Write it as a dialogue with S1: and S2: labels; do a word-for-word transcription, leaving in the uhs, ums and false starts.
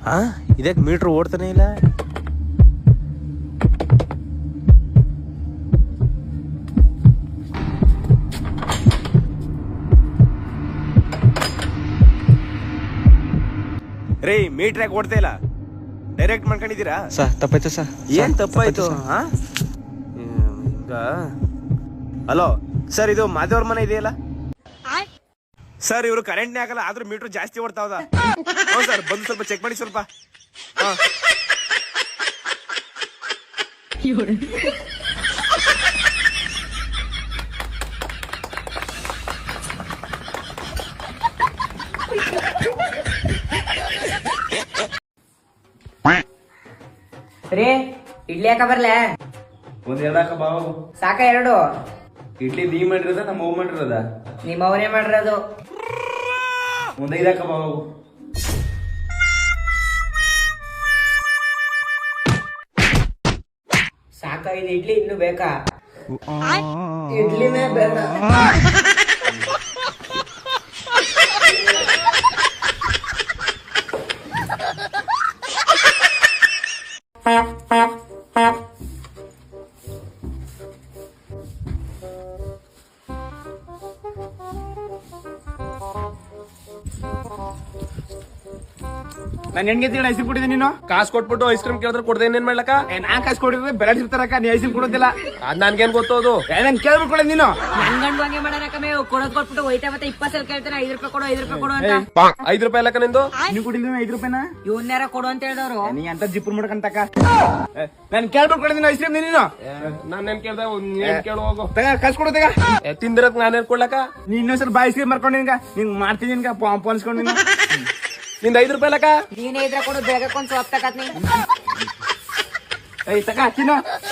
S1: ಹಾ ಇದಕ್ಕೆ ಮೀಟ್ರ್ ಓಡ್ತಾನೆ ಇಲ್ಲ. ರೀ ಮೀಟ್ರ್ ಯಾಕೆ ಓಡ್ತಾ ಇಲ್ಲ? ಡೈರೆಕ್ಟ್ ಮಾಡ್ಕೊಂಡಿದ್ದೀರಾ?
S2: ಸರ್ ತಪ್ಪಾಯ್ತು ಸರ್.
S1: ಏನ್ ತಪ್ಪಾಯ್ತು? ಹಾ ಹಿಂಗ. ಹಲೋ ಸರ್, ಇದು ಮಾದೇವ್ರ ಮನೆ ಇದೆಯಲ್ಲ ಸರ್, ಇವರು ಕರೆಂಟ್ನೇ ಆಗಲ್ಲ ಆದ್ರೂ ಮೀಟ್ರ್ ಜಾಸ್ತಿ ಓಡ್ತಾವದ. ಹೌದು ಸರ್, ಬಂದು ಸ್ವಲ್ಪ ಚೆಕ್ ಮಾಡಿ ಸ್ವಲ್ಪ.
S3: ರೀ ಇಡ್ಲಿ ಯಾಕ ಬರ್ಲೆ?
S4: ಒಂದ್ ಎರಡಾಕ ಬಾವು
S3: ಸಾಕ ಎರಡು
S4: ಇಡ್ಲಿ ನೀ ಮಾಡಿರೋದ ನಮ್ಮ ಅವ್ವ ಮಾಡಿರೋದ?
S3: ನಿಮ್ಮ ಅವನೇ ಮಾಡಿರೋದು.
S4: ಒಂದ್ ಐದಾಕ ಬಾವು.
S3: ಸಾಕ ಇದು ಇಡ್ಲಿ ಇನ್ನು ಬೇಕಾ? ಇಡ್ಲಿನೇ ಬೇಡ.
S4: ನಾನು ಹೆಣ್ಗೆ ಐಸ್ ಕ್ರೀಮ್ ಕೊಟ್ಟಿದ್ದೆ, ನೀನು ಕಾಸು ಕೊಟ್ಬಿಟ್ಟು ಐಸ್ ಕ್ರೀಮ್ ಕೇಳಿದ್ರೆ ಕೊಡ್ದೆ ಏನ್ ಮಾಡ್ಲಕ್ಕ? ನಾ ಕಾಸು ಕೊಟ್ಟಿದ್ರೆ ಬೆಲೆ ಸಿಗ್ತಾರಕ್ಕ, ನೀ ಐಸ್ ಕ್ರೀಮ್ ಕೊಡೋದಿಲ್ಲ. ಅದ್ ನನ್ಗೇನ್ ಗೊತ್ತೋದು? ನನ್ ಕೇಳ್ಬಿಟ್ಟು ಕೊಡ ನೀನು.
S3: ನನ್ ಗಂಡು ಹಂಗೆ ಮಾಡಾರಕಮೆ, ಕೊಡೋದ್ ಕೊಟ್ಬಿಟ್ಟು ಹೋಯ್ತಾ ಮತ್ತೆ ಇಪ್ಪತ್ತು ಸಲ ಕೇಳ್ತಾನೆ ಐದು ರೂಪಾಯಿ ಕೊಡು ಐದು ರೂಪಾಯಿ ಕೊಡು ಅಂತ.
S4: ಐದು ರೂಪಾಯಿ ಅಲ್ಲಕ್ಕ ನಿಂದು? ನೀವು ಕೊಟ್ಟಿಲ್ಲ ಐದು ರೂಪಾಯಿನ?
S3: ಇವನ್ಯಾರ ಕೊಡು ಅಂತ ಹೇಳಿದವ್ರು.
S4: ನೀ ಅಂತ ಜಿಪ್ಪು ಮಾಡ್ಕಂತಕ್ಕ. ನನ್ ಕೇಳ್ಬಿಟ್ಟು ಕೊಡ ನೀನು ಐಸ್ ಕ್ರೀಮ್ ನೀನು. ನಾನೇನ್ ಕೇಳ್ದ? ನೀನ್ ಕೇಳು ಹೋಗು. ತಗ ಕಾಸು ಕೊಡು ತಗ. ತಿಂದಿರಕ್ ನಾನೇನ್ ಕೊಡ್ಲಕ್ಕ? ನೀ ಇನ್ನೊಂದ್ಸಲ ಬಾಯ್ ಐಸ್ ಕ್ರೀಮ್ ಮಾಡ್ಕೊಂಡು ನಿನ್ಗ ನಿಂಗ್ ಮಾಡ್ತೀನಿ ನಿನ್ಗ ಪೋನ್ಸ್ಕೊಂಡು ನೀನು. ನಿಂದ ಐದು ರೂಪಾಯಿ ಅಲ್ಲಕ್ಕ?
S3: ನೀನೇ ಇದ್ರ ಕೊಡು, ಬೇಗ ಕೊಂದ್ ಸೊಪ್ಪು ತಕತ್ ನೀ.
S4: ಐ ತಕ ಹಚ್ಚಿನ